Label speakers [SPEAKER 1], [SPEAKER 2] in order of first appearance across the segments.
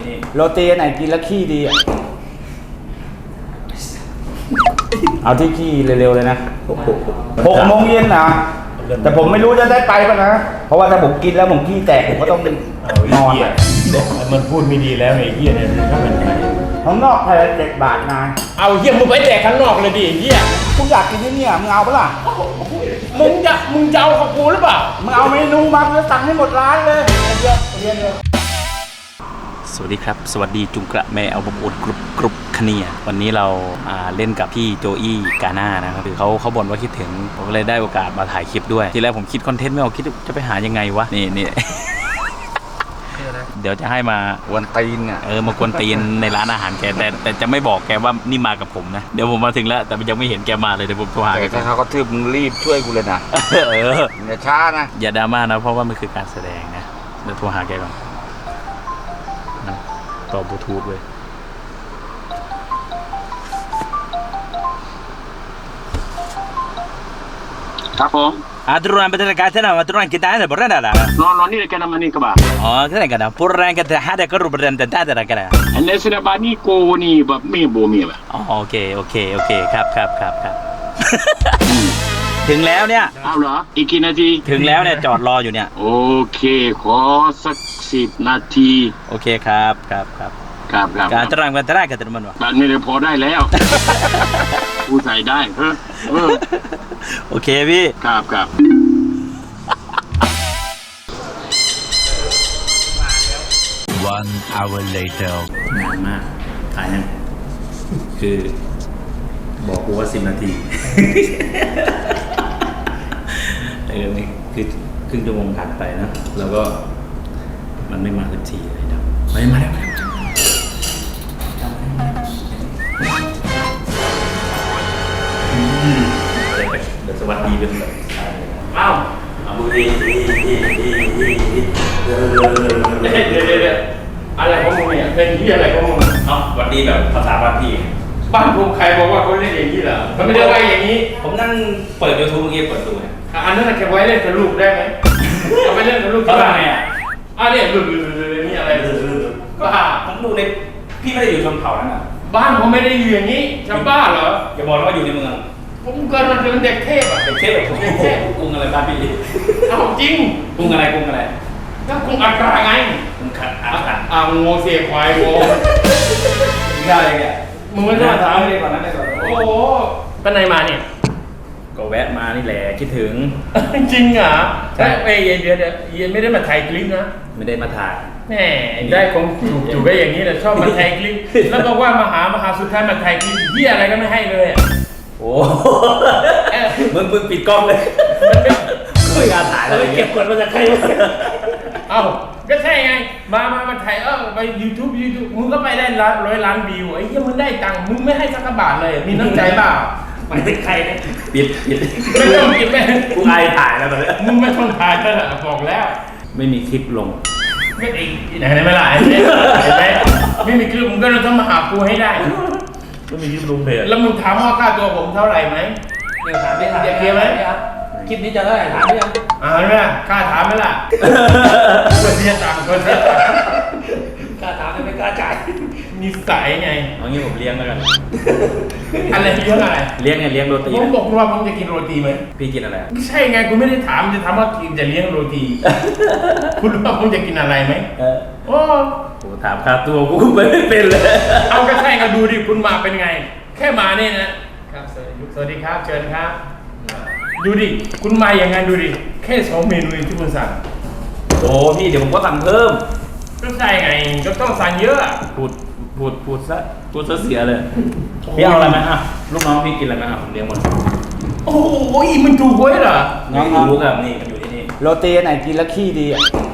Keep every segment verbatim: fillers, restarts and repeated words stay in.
[SPEAKER 1] นี่โรตีไหนกินแล้วขี้ดีเอาที่ขี้เร็วๆเลยนะหกโมงเย็นนะแต่ผมไม่รู้จะได้ไปป่ะนะเพราะว่าถ้าผมกินแล้วผมขี้แตกผมก็ต้องนอน
[SPEAKER 2] มันพูดไม่ดีแล้วไอ้เหี้ยเนี่ยถ้าเป็นไง
[SPEAKER 1] ข้างนอกใครเจ็ดบาทนาย
[SPEAKER 2] เอาเหี้ยมึงไปแจกข้างนอกเลยดิเหี้ย
[SPEAKER 1] กูอยากกินที่นี่มึงเอาปะล่ะ
[SPEAKER 2] มึงจะมึงจะเอาของกูหรือเปล่า
[SPEAKER 1] มึงเอาเมนูมาแล้วสั่งให้หมดร้านเลยเยอะเรียนเลย
[SPEAKER 3] สวัสดีครับสวัสดีจุงกระแม่เอาบอุดกรุบกรุบคเนียวันนี้เราเล่นกับพี่โจอี้กาน่านะครับคือเขาเขาบ่นว่าคิดถึงผมก็เลยได้โอกาสมาถ่ายคลิปด้วยทีแรกผมคิดคอนเทนต์ไม่ออกคิดจะไปหายังไงวะนี่นี่เดี๋ยวจะให้มากวนตีนอ่ะเออมากวนตีนในร้านอาหารแกแต่แต่จะไม่บอกแกว่านี่มากับผมนะเดี๋ยวผมมาถึงแล้วแต่ยังไม่เห็นแกมาเลยเดี๋ยวผมโทรหาแก
[SPEAKER 1] ถ้าเขาก็ทืบมึงรีบช่วยกูเลยนะเอออย่าช้านะ
[SPEAKER 3] อย่าดราม่านะเพราะว่ามันคือการแสดงนะเดี๋ยวโทรหาแกก่อนต่อบลูทูธเลย
[SPEAKER 2] ครับผม
[SPEAKER 3] Aturan betul kata nama aturan kita ada berada lah.
[SPEAKER 2] No no ni dekat nama ni kebah.
[SPEAKER 3] Oh, kita kan purang kita ada kerja berada tentang ada kan.
[SPEAKER 2] Anda sudah bani ko ni bab me bo me bah.
[SPEAKER 3] Oh, okey okey okey ครับครับครับครับถึงแล้วเนี่ย
[SPEAKER 2] เอาเหรออีกกี่นาที
[SPEAKER 3] ถึงแล้วเนี่ยจอดรออยู่เนี่ย
[SPEAKER 2] โอเคขอสักสิบนาที
[SPEAKER 3] โอเคครับครับครับ
[SPEAKER 2] ครับครับ
[SPEAKER 3] การตรังกันตรังกันตรังมันวะ
[SPEAKER 2] แบบนี้เดี๋ยวพอได้แล้วกูใส่ได้เออเออ
[SPEAKER 3] โอเคพี่
[SPEAKER 2] ครับครับ
[SPEAKER 3] one hour later นานมากถ่ายยังคือบอกกูว่าสิบนาทีเออนี่คือครึ่งชั่วโมงผ่านไปนะแล้วก็มันไม่มาสักทีเลยนะไม่มาแล้วเดี๋ยวสวัสดีเป็นแบบอ้าวเอาบุรี
[SPEAKER 2] เดี๋ยวเดี๋ยวเดี๋ยวอะไรของมึงเนี่ยเป็นที่อะไรของมึง
[SPEAKER 3] เอ้าสวัสดีแบบภาษาบ้านพี่
[SPEAKER 2] บ้านผมใครบอกว่าเขาเล่นอย่างนี้เหรอเขาไม่ได้ไว้อย่างนี้
[SPEAKER 3] ผมนั่งเปิดยูทูบเมื่อกี้เปิดดูไง
[SPEAKER 2] อันนั้นแค่ไว้เล่นกับลูกได้ไหมเอาไปเล่นกับลูก
[SPEAKER 3] เขาทำไงอ่ะ
[SPEAKER 2] อ่ะเนี่ยดูดูดูนี่อะไร
[SPEAKER 3] ก็ผมดูในพี่ไม่ได้อยู่ชนเผ่านั่นอ่ะ
[SPEAKER 2] บ้านผมไม่ได้อยู่อย่างนี้ชาวบ้านเหรอ
[SPEAKER 3] อย่าบอกว่าอยู่ในเมือง
[SPEAKER 2] ผมเกิดมาเป็นเด็กเทพอ่ะ
[SPEAKER 3] เด็กเทพแบบเด็กเทพกรุงอะไรบ้านพี่
[SPEAKER 2] เอาจริง
[SPEAKER 3] กรุงอะไรกรุงอะไร
[SPEAKER 2] ก็กรุงอัคราไง
[SPEAKER 3] กรุงขัดอัครา
[SPEAKER 2] อ่าโง่เสียควายโง่
[SPEAKER 3] นี่อะไรเนี่ย
[SPEAKER 2] มึงไม่ต้องถาม
[SPEAKER 3] เลยก่อนนั้นเลยก่อน
[SPEAKER 2] โอ้โหไปไหนมาเนี่ย
[SPEAKER 3] ก็แวะมานี่แหละคิดถึง
[SPEAKER 2] จริงเหรอใช่เอ้ยเดี๋ยวเดี๋ยวเย็นไม่ได้มาถ่ายคลิปนะ
[SPEAKER 3] ไม่ได้มาถ่าย
[SPEAKER 2] แหมได้คงถูกถูกได้อย่างนี้แหละชอบมาถ่ายคลิปแล้วบอกว่ามาหามาหาสุดท้ายมาถ่ายคลิปเหี้ยอะไรก็ไม่ให้เลย
[SPEAKER 3] โอ้มึงมึงปิดกล้องเลยไม่อยากถ่ายเลยเก็บกดมาจากใคร
[SPEAKER 2] เอ้าก็ใช่ไงมามามาถ่ายเออไป YouTube YouTube มึงก็ไปได้ร้อยล้านวิวไอ้เหี้ยมึงได้ตังค์มึงไม่ให้สักบาทเลยมีน้ำใจเปล่า
[SPEAKER 3] ไม่เป็นใครเนี่ยปิดปิด
[SPEAKER 2] ไม่ต้องปิดแม่
[SPEAKER 3] กูอายถ่ายแล้วตอนนี้
[SPEAKER 2] มึงไม่ต้องถ่ายแล้วบอกแล้ว
[SPEAKER 3] ไม่มีคลิปลง
[SPEAKER 2] ไม่เองไหนไหนไม่ล่ะเห็นไหมไม่มีคลิปมึงก็ต้องมาหากูให้ได้
[SPEAKER 3] ไม่มีคลิปลงเพจ
[SPEAKER 2] แล้วมึงถามว่าค่าตัวผมเท่าไหร่ไหม
[SPEAKER 3] เดี๋ยวถามไม่ถาม
[SPEAKER 2] เดี๋ยวเคลียร์ไหม
[SPEAKER 3] คลิปนี้จะเท่าไหร่ถามยัง
[SPEAKER 2] อ่าไหมกล้าถามไหมล่ะคนเสียตังค์คนเสียตังค์
[SPEAKER 3] กล้าถามไม่กล้าจ่าย
[SPEAKER 2] นิสัยไง
[SPEAKER 3] เอางี้ผมเลี้ยงแล้วกัน
[SPEAKER 2] อะไรเลี้ยงอะไร
[SPEAKER 3] เลี้ยงไงเลี้ยงโรตี
[SPEAKER 2] ผมบอกว่าผมจะกินโรตีไหม
[SPEAKER 3] พี่กินอะไร
[SPEAKER 2] ไม่ใช่ไงกูไม่ได้ถามจะถามว่ากินจะเลี้ยงโรตีคุณรู้ว่าผมจะกินอะไรไหมโอ้
[SPEAKER 3] โหถามค่าตัวกูไม่เป็นเลย
[SPEAKER 2] เอาก็ใช่ก็ดูดิคุณมาเป็นไงแค่มาเนี่ยนะครับสวัสดีครับเชิญครับดูดิคุณมาอย่างไงดูดิแค่สองเมนูที่คุณสั่ง
[SPEAKER 3] โอ้พี่เดี๋ยวผมก็สั่งเพิ่ม
[SPEAKER 2] ก็ใช่ไงก็ต้องสั่งเยอะ
[SPEAKER 3] พูดพูดพูดซะพูดซะเสียเลยพี่เอาอะไรไหมอ่ะลูกน้องพี่กินอะไรไหมอ่ะผมเลี้ยงหมด
[SPEAKER 2] โอ้โหมันถูกไว้เหรอ
[SPEAKER 3] น้องรู้กับนี่มันอยู่ที่นี่
[SPEAKER 1] โรตีไหนกินแล้วขี้ดี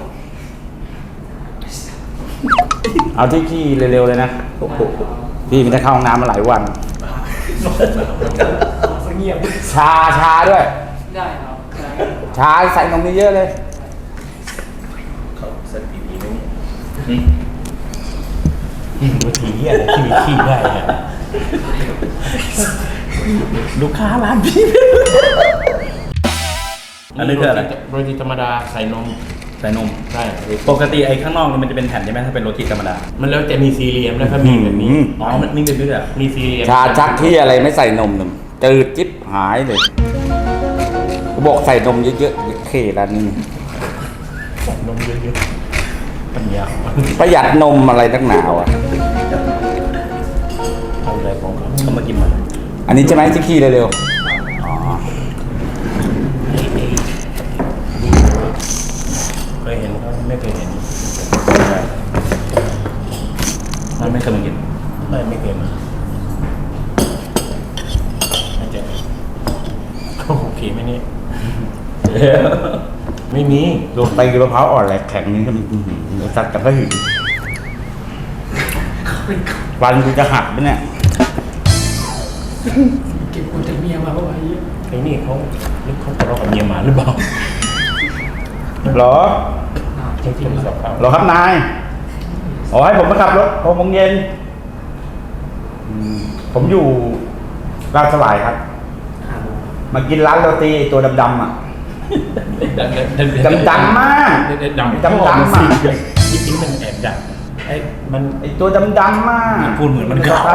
[SPEAKER 1] เอาที่ขี้เร็วๆเลยนะพี่ไม่ได้เข้าห้องน้ำมาหลายวัน
[SPEAKER 2] เงียบ
[SPEAKER 1] ชาชาด้วยได้ครับชาใส่นมเยอะเลย
[SPEAKER 3] เขาสติดีไหม
[SPEAKER 2] เนี่ยวิธีเหี้ยอะไรที่มีขี้ได้
[SPEAKER 3] ลูกค้าร้านพี่อันนี้คืออะไร
[SPEAKER 2] โรตีธรรมดาใส่นม
[SPEAKER 3] ใส่ส่นม
[SPEAKER 2] ใช่
[SPEAKER 3] ปกติไอ้ข้างนอกนี่มันจะเป็นแผ่นใช่ไหมถ้าเป็นโรตีธรรมดา
[SPEAKER 2] มันแล้วจะมีสี่เหลี่ยมแล้วก็มีแบบนี้
[SPEAKER 3] อ๋อมันมีแบบนี้ด้วยเหรอ
[SPEAKER 2] มีสี่เหลี่ยม
[SPEAKER 1] ชาชักที่อะไรไม่ใส่นมหนึ่งจืดจิ๊บหายเลยกูบอกใส่นมเยอะๆเคร้านนี้
[SPEAKER 2] นมเยอะๆปัญญา
[SPEAKER 1] ประหยัดนมอะไรตั้งหนาวอ่ะ
[SPEAKER 2] เอาอะไรของเขา
[SPEAKER 3] เขามากินมา
[SPEAKER 1] อันนี้ใช่ไหมที่ขี้เร็วๆอ๋อ
[SPEAKER 2] เคยเห็นเขาไม่เคยเห็น
[SPEAKER 3] มันไม่เคยมากิน
[SPEAKER 2] ไม่ไม่เคยมาอาจจะเขาโอเคไหมเนี่ยไม่มี
[SPEAKER 1] โรตีมะพร้าวอ่อนแหลกแข็งนี่ก็มันอื้อหือสัตว์กับก็หึงฟันกูจะหักไหมเนี่ย
[SPEAKER 2] เก็บคนจากเมียมาเพราะว่าไอ้นี่เขาลึกเขาทะเลาะกับเมียมาหรือเปล่า
[SPEAKER 1] เหรอ
[SPEAKER 2] จริงๆสอบเขา
[SPEAKER 1] เหรอครับนายอ๋อให้ผมมาขับรถหกโมงเย็นอืมผมอยู่ราชสลายครับ มากินร้านโรตีไอ้ตัวดำๆอ่ะ ดำดำมาก
[SPEAKER 2] ดำ
[SPEAKER 1] ดำดำ
[SPEAKER 2] สิ
[SPEAKER 1] มาก
[SPEAKER 2] จริงๆมันแอบดังไอ้มัน
[SPEAKER 1] ไอ้ตัวดำดำมาก
[SPEAKER 3] พูดเหมือนมันขาว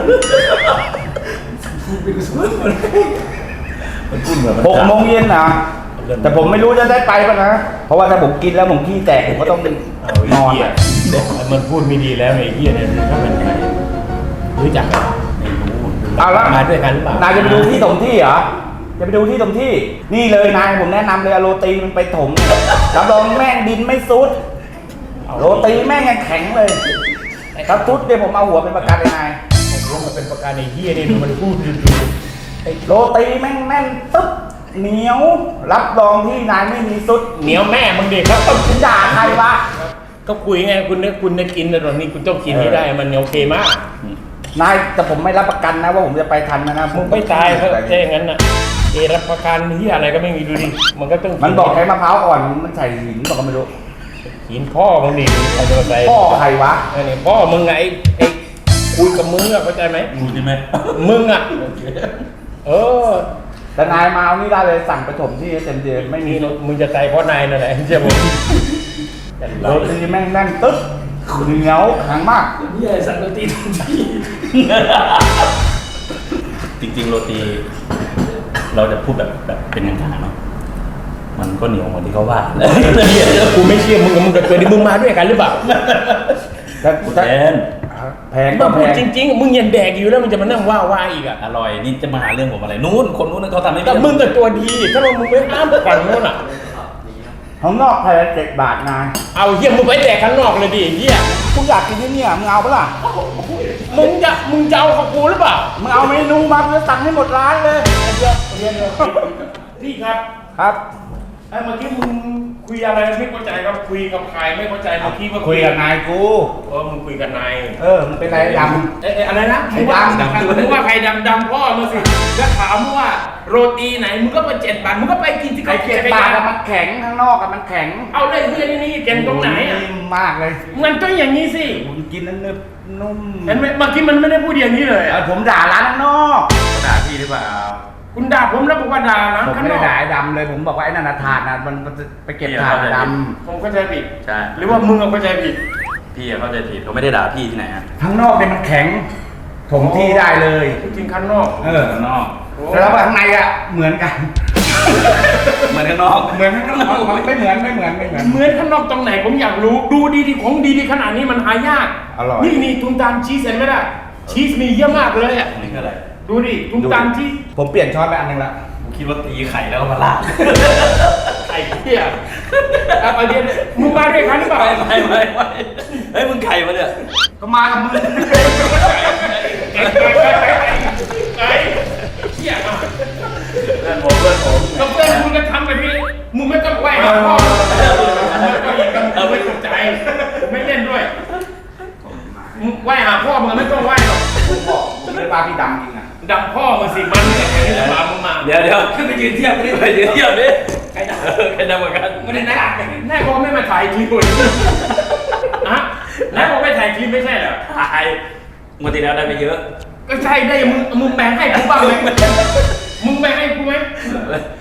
[SPEAKER 3] มันพูดเหมือนมัน
[SPEAKER 1] หกโมงเย็นนะแต่ผมไม่รู้จะได้ไปป่ะนะ เพราะว่าถ้าผมกินแล้วผมขี้แตกผมก็ต้อง
[SPEAKER 2] เอา
[SPEAKER 1] นอน
[SPEAKER 2] ไเหี้ย
[SPEAKER 1] อะ
[SPEAKER 2] มันพูดไม่ดีแล้วไอ้เหี้ยเนี่ยถ้าเป็นใครรู้จักไหมไม่รู้
[SPEAKER 1] เอาละ
[SPEAKER 2] มาด้วยกันหรือเปล่าน
[SPEAKER 1] ายจะไปดูที่ถมที่เหรอจะไปดูที่ถมที่ นี่เลยนายผมแนะนำเลยเอาโรตีมันไปถมรับรองแม่งดินไม่ซุด โรตีแม่งยังแข็งเลยถ้าซุดเนี่ยผมเอาหัวเป็นประกันเลยนาย
[SPEAKER 2] ผมว่ามันเป็นประการไอ้เหี้ยนี่มันพูดดู
[SPEAKER 1] โรตีแม่งแน่นตึ๊บเหนียว รับรองที่นายไม่มีซุด
[SPEAKER 2] เหนียวแม่มึงเด็กครับ
[SPEAKER 1] คุณด่าใครวะ
[SPEAKER 2] ก็คุยไงคุณเนี่ยคุณได้กินแต่ตอนนี้คุณต้องกินให้ได้มันโอเคมาก
[SPEAKER 1] นายแต่ผมไม่รับประกันนะว่าผมจะไปทันนะนะ
[SPEAKER 2] มึงไม่ตายเขาแค่อย่างนั้นน่ะเอรับประกันที่อะไรก็ไม่มีดูดิมันก็ต้อง
[SPEAKER 1] มันบอกใช้มะพร้าวอ่อนมันใส่หินบอกก็ไม่รู้
[SPEAKER 2] หินพ่อมึงดิใครจะมาใส่
[SPEAKER 1] พ่อใครวะ
[SPEAKER 2] ไอ้นี่พ่อมึงไงไอ้ไอ้คุยกับมึงอะเข้าใจไหม
[SPEAKER 3] พูดใช่ไหม
[SPEAKER 2] มึงอะเออ
[SPEAKER 1] แต่นายมาเอานี่ได้เลยสั่งไปถมที่เต็มที่ไม่มี
[SPEAKER 2] นี่มึงจะตายเพราะนายนั่นแหละใช่ผม
[SPEAKER 1] โรตีแม่งแน่นตึ๊บเหนียวแข็งมาก
[SPEAKER 2] นี่ไอ้สัตว์โรตีทันที
[SPEAKER 3] จริงๆโรตี เราจะพูดแบบแบบเป็นกลางๆเนาะมันก็เหนียวเหมือนที่เขาว่า
[SPEAKER 2] กูไม่เชื่อมึงกับมึงกับเกิดมึงมาด้วยกันหรือเปล่า
[SPEAKER 1] แต่
[SPEAKER 3] แท
[SPEAKER 1] แต่
[SPEAKER 3] น
[SPEAKER 1] แพงก็
[SPEAKER 2] มา
[SPEAKER 1] แพ
[SPEAKER 2] พูด
[SPEAKER 1] ง
[SPEAKER 2] จริงๆมึงยันแดกอยู่แล้วมึงจะมานั่งว่าว่าอีกอะ
[SPEAKER 3] อร่อยนี่จะมาหาเรื่องผมอะไรนู้นคนนู้นเขาทำให้
[SPEAKER 2] แต่มึงกับตัวดีถ้ามึงไม่ห้ามฝั่งโน้นอะ
[SPEAKER 1] ข้างนอกแพงเจ็ดบาทนาย
[SPEAKER 2] เอาเฮียมึงไปแดกข้างนอกเลยดิเฮีย
[SPEAKER 1] กูอยากกินที่เนี่ยมึงเอาปะล่ะ
[SPEAKER 2] มึงจะมึงจะเอากับกูหรือเปล่า
[SPEAKER 1] มึงเอาเมนูมากูจะสั่งให้หมดร้านเลย
[SPEAKER 2] พี่ครับ
[SPEAKER 1] ครับ
[SPEAKER 2] ไอ้เมื่อกี้มึงคุยอะไรไม่เข้าใจครับคุยกับใครไม่เข้าใจเมื่อกี้ว่า
[SPEAKER 1] คุยกับนายกู
[SPEAKER 2] เออมึงคุยกับนาย
[SPEAKER 1] เออมึงเป็นไรดำ
[SPEAKER 2] เอ๊ะเอ๊ะอะไรนะ
[SPEAKER 1] ไอ้ดำ
[SPEAKER 2] มึงว่าใครดำดำพ่อมึงสิแล้วถามว่าโรตีไหนมึงก็ไปเจ็ดบาทมึงก็ไปกินที่
[SPEAKER 1] ไอ้
[SPEAKER 2] เขา
[SPEAKER 1] เจ็ดบาทอะมันแข็งข้างนอกอะมันแข็ง
[SPEAKER 2] เอาเลยเฮียนี่นี่แกงตรงไหนอ่ะ
[SPEAKER 1] นิ่มมากเลย
[SPEAKER 2] มันต้องอย่างนี้สิ
[SPEAKER 1] ผมกินแล้วนึบนุ่ม
[SPEAKER 2] เห็นไหมเมื่อกี้มันไม่ได้พูดอย่างนี้เลย
[SPEAKER 1] เอ
[SPEAKER 2] อ่ะ
[SPEAKER 1] อผมด่าร้านข้างนอก
[SPEAKER 3] ด่าพี่หรือเปล่า
[SPEAKER 2] คุณด่าผมแล้วบอกว่าด่าร้าน
[SPEAKER 1] ผม
[SPEAKER 2] ข้าง
[SPEAKER 1] ไม่
[SPEAKER 2] น
[SPEAKER 1] ได้
[SPEAKER 2] อก
[SPEAKER 1] ด่าไอ้ดำเลยผมบอกว่าไอ้นันนะถาดนะมันมันจะไปเก็บถาดด
[SPEAKER 2] ผมเข้าใจผิด
[SPEAKER 3] ใช่
[SPEAKER 2] หรือว่ามึงเอาเข้าใจผิด
[SPEAKER 3] พี่เข้าใจผิดเขาไม่ได้ด่าพี่ที่ไหนฮะ
[SPEAKER 1] ำข้างนอกเนี่ยมันแข็งถมที่ได้เลย
[SPEAKER 2] จริงๆข้างนอก
[SPEAKER 1] เออ
[SPEAKER 3] ข้างนอก
[SPEAKER 1] แล้วข้างในอะเหมือนกัน
[SPEAKER 3] เหมือนข้างนอก
[SPEAKER 1] เหมือนข้างนอกไม่เหมือนไม่เหมือนไม่เหมือน
[SPEAKER 2] เหมือนข้างนอกตรงไหนผมอยากรู้ดูดีๆของดีๆขนาดนี้มันหายาก
[SPEAKER 1] อร่อย
[SPEAKER 2] นี่นี่ตุ้มตามชีสเห็นไหมล่ะชีสมีเยอะมากเลยอ่ะ
[SPEAKER 3] อันนี้คืออะไร
[SPEAKER 2] ดูดิตุ้มตามชีส
[SPEAKER 1] ผมเปลี่ยนช้อนไปอันหนึงละ
[SPEAKER 3] ผมคิดว่าตีไข่แล้วก็มาลาด
[SPEAKER 2] ไอ้เหี้ยเอาเอาเดี๋ยวมึงมาด้วยกันหรือเปล่า
[SPEAKER 3] ไม่ไม่ไม่ไม่เฮ้ยมึงไข่มาเนี่ย
[SPEAKER 1] ก็มากับมือ
[SPEAKER 2] ไอ้ไอ้ไอ้ไอ้เหี้ยอ่ะ
[SPEAKER 3] เพื่อนผมเพื่อนผม
[SPEAKER 2] ก็เพื่อนมึงก็ทำแบบนี้มึงไม่ต้องไหวหาพ่อมึงก็ยิงกันมึงไม่สนใจผมไม่เล่นด้วยมึงไหวหาพ่อมึงไม่ต้องไหวหรอก
[SPEAKER 1] ผมบอกผมไม่ได้ว่าพี่ดำจริงอะ
[SPEAKER 2] ดำพ่อมึงสิมันเนี่ยใครจะมามึงมา
[SPEAKER 3] เดี๋ยวเดี๋ยวขึ้นไปยืนเทียบดิไปยืนเทียบดิใครด่าใครด่าเหมือนกัน
[SPEAKER 2] ไม่ได้แน่แน่บอกไม่มาถ่ายคลิปเลยอะแน่บอกไม่ถ่ายคลิปไม่ใช่เหรอ
[SPEAKER 3] ถ่ายงวดที่แล้วได้ไปเยอะ
[SPEAKER 2] ก็ใช่ได้มึงมึงแบ่งให้กูบ้างไหมมึงแบ่งให้กูไหม
[SPEAKER 3] ไม่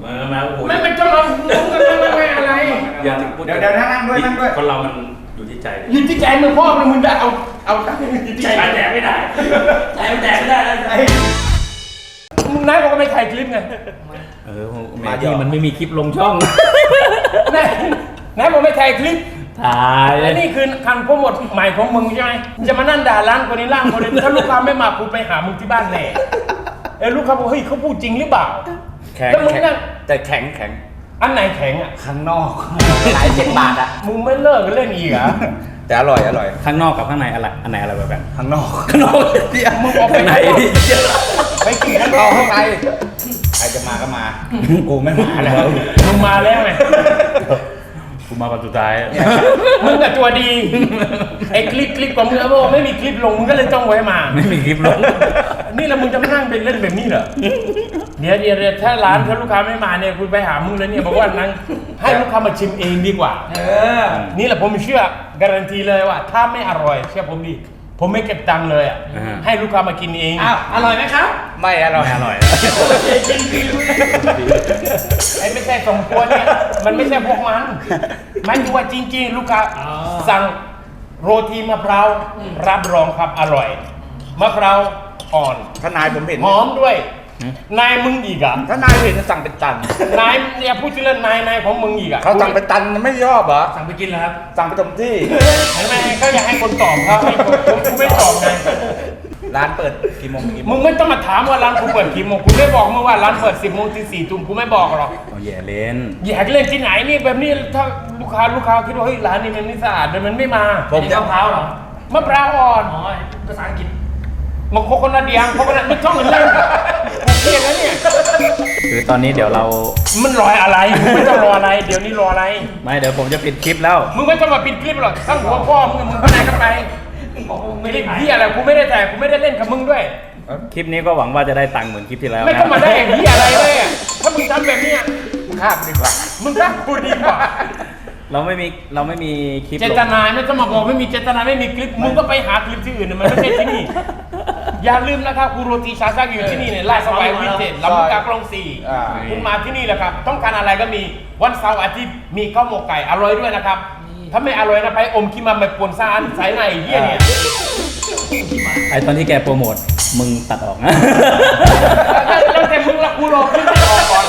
[SPEAKER 3] มามาโอ้โห
[SPEAKER 2] ไม่เป็นเจ้าเราผมก็ไม่ไม่อะไร
[SPEAKER 3] อย่าถึงพูด
[SPEAKER 1] เดี๋ยวเดี๋ยวนั่งด้วยนั่งด้วย
[SPEAKER 3] คนเรามันอยู่ที่ใจ
[SPEAKER 2] อยู่ที่ใจมึงพ่อมึงจะเอาเอาตั้งอยู่ที่
[SPEAKER 3] ใจ
[SPEAKER 2] ใจ
[SPEAKER 3] มันแตกไม่ได้ใจมันแตกไม่ได้ใจ
[SPEAKER 2] มึงนายบอกว่าไม่ถ่ายคลิปไง
[SPEAKER 3] เออแม่ที่มันไม่มีคลิปลงช่อง
[SPEAKER 2] นายนายบอกไม่ถ่ายคลิป
[SPEAKER 3] ถ่าย
[SPEAKER 2] และนี่คือคำโปรโมทใหม่ของมึงใช่ไหมมึงจะมานั่นด่าร้านคนนี้ร่างคนนี้ถ้าลูกค้าไม่มากูไปหามึงที่บ้านแน่เออลูกค้าบอกเฮ้ยเขาพูดจริงหรือเปล่า
[SPEAKER 1] แข็ง
[SPEAKER 2] แล้วมึงนั่ง
[SPEAKER 1] แต่แข็งแข็ง
[SPEAKER 2] อันไหนแข็งอ่ะ
[SPEAKER 1] ข้างนอกขายเจ็ดบาทอ่ะ
[SPEAKER 2] มึงไม่เลิกกันเล่นอีกเหรอ
[SPEAKER 1] แต่อร่อยอร่อย
[SPEAKER 3] ข้างนอกกับข้างในอะไรอันไหนอะไรแบบ
[SPEAKER 1] ข้างนอก
[SPEAKER 3] ข้างนอกเดี๋ยว
[SPEAKER 2] มึงออกไป
[SPEAKER 3] ข้างใน
[SPEAKER 2] ไปกินข้างน
[SPEAKER 1] เอา
[SPEAKER 2] อก
[SPEAKER 1] ข้างในใครจะมาก็มา กูไม่มาแล้ว
[SPEAKER 2] มึงมาแล้วไง
[SPEAKER 3] กูมาวันสุดท้าย
[SPEAKER 2] มึงกับตัวดีไอ้คลิปคลิปของมึงบอกไม่มีคลิปลงมึงก็เลยจ้องไว้มา
[SPEAKER 3] ไม่มีคลิปลง
[SPEAKER 2] นี่แล้วมึงจะมานั่งเป็นเล่นแบบนี้เหรอเดี๋ยวเดี๋ยวเดี๋ยวถ้าร้านถ้าลูกค้าไม่มาเนี่ยคุณไปหามึงแล้วเนี่ยบอกว่านั่งให้ลูกค้ามาชิมเองดีกว่า
[SPEAKER 1] เออ
[SPEAKER 2] นี่แหละผมเชื่อการันตีเลยว่า ถ้าไม่อร่อยเชื่อผมดิผมไม่เก็บตังค์เลยอ่ะ
[SPEAKER 3] อ่า
[SPEAKER 2] ให้ลูกค้ามากินเอง
[SPEAKER 4] อ้าว อร่อยไหมครับ
[SPEAKER 1] ไม่อร่อย
[SPEAKER 3] ไม่อร่อย
[SPEAKER 2] ไอ้ไม่ใช่สมควรเนี่ยมันไม่ใช่พวกมันหมายถึงว่าจริงๆ ลูกค้าสั่งโรตีมะพร้าวรับรองครับอร่อยมะพร้าวอ่อน
[SPEAKER 1] ถ้านายผมเห็น
[SPEAKER 2] หอมด้วย นายมึงอีกอ่ะ
[SPEAKER 1] ถ้านายเห็นจะสั่งเป็นตัน
[SPEAKER 2] นายเนี่ยพูดชื่อเล่นนายนายของมึงอีกอ่ะ
[SPEAKER 1] เขาสั่งเป็นตันไม่ชอบเหรอ
[SPEAKER 3] สั่งไปกินแล้วครับ
[SPEAKER 1] สั่งไปเต็มที่
[SPEAKER 2] เห็นไหมเขาอยากให้คนตอบเขาให้คนผมกูไม่ตอบไง
[SPEAKER 1] ร้านเปิดกี่โมงถึงกี่โม
[SPEAKER 2] มึ
[SPEAKER 1] ง
[SPEAKER 2] งไม่ต้องมาถามว่าร้านกูเปิดกี่โมงกูไม่บอกมึงว่าร้านเปิดสิบโมงถึงสี่ทุ่มกูไม่บอกหรอก
[SPEAKER 3] เอาแย่เล่น
[SPEAKER 2] อยากเล่นที่ไหนนี่แบบนี้ถ้าลูกค้าลูกค้าคิดว่าเฮ้ยร้านนี้มันไม่สะอาดเดี๋ยวมันไม่มา
[SPEAKER 1] ผมจะ
[SPEAKER 4] มะพร้าวเหรอ
[SPEAKER 2] มะพร้าวอ่อน
[SPEAKER 4] อ๋อ ภาษาอังกฤษ
[SPEAKER 2] มันโคโคนัทเดียงโคโคนัทไม่ต้องเล่นกูเครียดแล้วเนี่ย
[SPEAKER 3] คือตอนนี้เดี๋ยวเรา
[SPEAKER 2] มันรออะไรมึงไม่ต้องรออะไรเดี๋ยวนี้รออะไร
[SPEAKER 3] ไม่เดี๋ยวผมจะปิดคลิปแล้ว
[SPEAKER 2] มึงไม่ต้องมาปิดคลิปหรอกทั้งหัวพ่อมึงมึงไปไหนก็ไปไม่ได้เหี้ยอะไรกูไม่ได้แต่กูไม่ได้เล่นกับมึงด้วย
[SPEAKER 3] คลิปนี้ก็หวังว่าจะได้ตังค์เหมือนคลิปที่แล้ว
[SPEAKER 2] ไม่
[SPEAKER 3] นะ
[SPEAKER 2] ต้องมาได้เหี้ยอะไรเลยอะถ้ามึงทำแบบเนี้ย
[SPEAKER 1] ข้ามดีกว่า
[SPEAKER 2] มึงรักกูดีกว่า
[SPEAKER 3] เราไม่มีเราไม่มีคลิป
[SPEAKER 2] เจ
[SPEAKER 3] ล
[SPEAKER 2] ต
[SPEAKER 3] ง
[SPEAKER 2] นาไม่ต้องมาบอกไม่มีเจตนาไม่มีคลิปมึงก็ไปหาคลิปที่อื่นนะมันไม่ใช่ที่นี่ อย่าลืมนะครับกูโรตีชาซักอยู่ที่นี่เนี่ยลาดสวายวินเทจลำลูกกาคลองสี่
[SPEAKER 1] อ่า
[SPEAKER 2] คุณมาที่นี่แหละครับ ต้องการอะไรก็มีวันเสาร์อาทิตย์มีข้าวหมกไก่อร่อยด้วยนะครับ ถ้าไม่อร่อยนะไปอมคิมาแบบปนซานสายในเหี้ยเนี่ย
[SPEAKER 3] ไอตอนที่แกโปรโมทมึงตัดออกนะ
[SPEAKER 2] แล้วแต่มึงละกูรอคลิปให้ออกก่อน